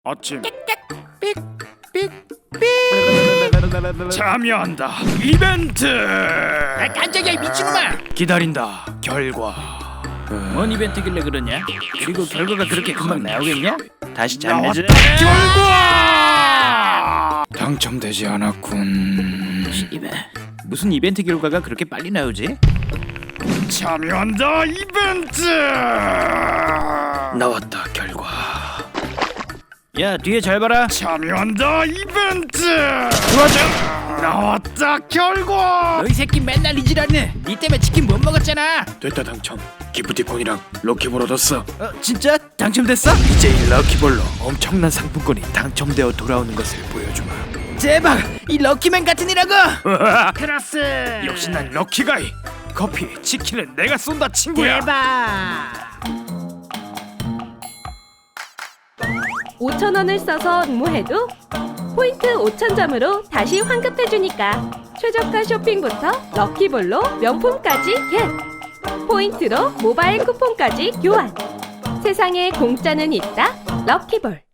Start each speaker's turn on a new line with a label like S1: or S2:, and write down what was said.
S1: 아침 참여한다 이벤트.
S2: 깜짝이야, 이 미친놈아!
S1: 기다린다 결과.
S2: 뭔 이벤트길래 그러냐? 그리고 결과가 그렇게 금방 나오겠냐? 다시
S1: 나왔다
S2: 잠내자.
S1: 결과. 당첨되지 않았군.
S2: 씨발, 무슨 이벤트 결과가 그렇게 빨리 나오지?
S1: 참여한다 이벤트. 나왔다 결과.
S2: 야, 뒤에 잘 봐라.
S1: 참여한다 이벤트. 도와줘. 나왔다 결과.
S2: 너희 새끼 맨날 이 지랄네. 니 때문에 치킨 못 먹었잖아.
S1: 됐다 당첨. 기프티콘이랑 럭키볼 얻었어.
S2: 진짜? 당첨됐어?
S1: 이제 이 럭키볼로 엄청난 상품권이 당첨되어 돌아오는 것을 보여주마.
S2: 대박! 이 럭키맨 같은 이라고!
S1: 크라스. 역시 난 럭키가이. 커피, 치킨은 내가 쏜다 친구야.
S2: 대박!
S3: 5,000원을 써서 응모해도 포인트 5,000점으로 다시 환급해주니까 최저가 쇼핑부터 럭키볼로 명품까지 겟! 포인트로 모바일 쿠폰까지 교환! 세상에 공짜는 있다 럭키볼.